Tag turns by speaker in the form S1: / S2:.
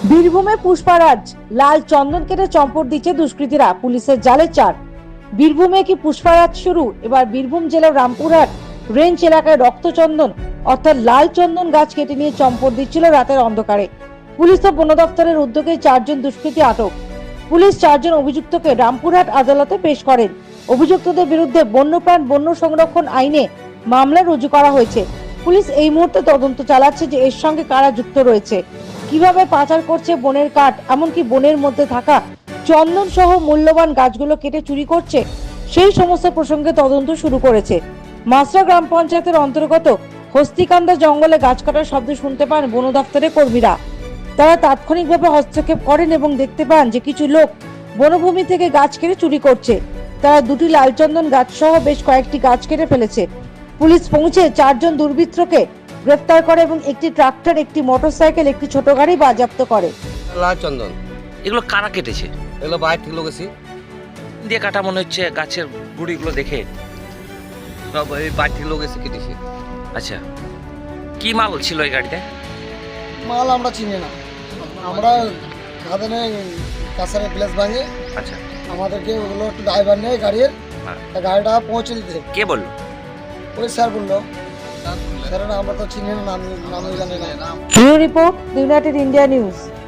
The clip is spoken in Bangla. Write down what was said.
S1: বীরভূমে পুষ্পারাজ লাল চন্দন কেটে চম্পট দিচ্ছে দুষ্কৃতীরা, পুলিশের জালে চার। বীরভূমে কি পুষ্পারাজ শুরু? এবার বীরভূম জেলার রামপুরহাট রেঞ্জ এলাকায় রক্তচন্দন অর্থাৎ লাল চন্দন গাছ কেটে নিয়ে চম্পট দিচ্ছিল রাতের অন্ধকারে। পুলিশ ও বন দপ্তরের উদ্যোগে 4 জন দুষ্কৃতী আটক। পুলিশ 4 জন অভিযুক্তকে রামপুরহাট আদালতে পেশ করেন। অভিযুক্তদের বিরুদ্ধে বন্যপ্রাণ বন্য সংরক্ষণ আইনে মামলা রুজু করা হয়েছে। পুলিশ এই মুহূর্তে তদন্ত চালাচ্ছে যে এর সঙ্গে কারা যুক্ত রয়েছে, কিভাবে পাচার করছে বনের কাঠ, এমনকি বনের মধ্যে থাকা চন্দন সহ মূল্যবান গাছগুলো কেটে চুরি করছে, সেই সমস্ত প্রসঙ্গে তদন্ত শুরু করেছে। মাসরা গ্রাম পঞ্চায়েতের অন্তর্গত হস্তিকান্দা জঙ্গলে গাছ কাটার শব্দ শুনতে পান বন দপ্তরের কর্মীরা। তারা তাৎক্ষণিকভাবে হস্তক্ষেপ করেন এবং দেখতে পান যে কিছু লোক বনভূমি থেকে গাছ কেটে চুরি করছে। তারা 2টি লালচন্দন গাছ সহ বেশ কয়েকটি গাছ কেটে ফেলেছে। পুলিশ পৌঁছে 4 জন দুর্বৃত্তকে গ্রেফতার করে এবং একটি ট্রাক্টর, একটি মোটরসাইকেল, একটি ছোট গাড়ি বাজেয়াপ্ত করে।
S2: লাল চন্দন
S3: এগুলো কারা কেটেছে?
S2: এগুলো বাইরে থেকে লোক এসে
S3: দিয়ে কাটা মনে হচ্ছে গাছের গুড়িগুলো দেখে।
S2: সব এই বাইরে থেকে লোক এসে কেটেছে।
S3: আচ্ছা, কি মাল ছিল এই গাড়িতে?
S4: মাল আমরা চিনি না, আমরা খাদানে কাছারে প্লেস ভাঙে
S3: আচ্ছা,
S4: আমাদেরকে ওগুলো একটু ড্রাইভার নেই গাড়ির,
S3: হ্যাঁ।
S4: তা গাড়িটা পৌঁছে দিতে
S3: কে বললো?
S4: ওই স্যার বললো। স্যার আমরা তো চিনি না, নামই জানি না।
S1: Bureau report, united India news.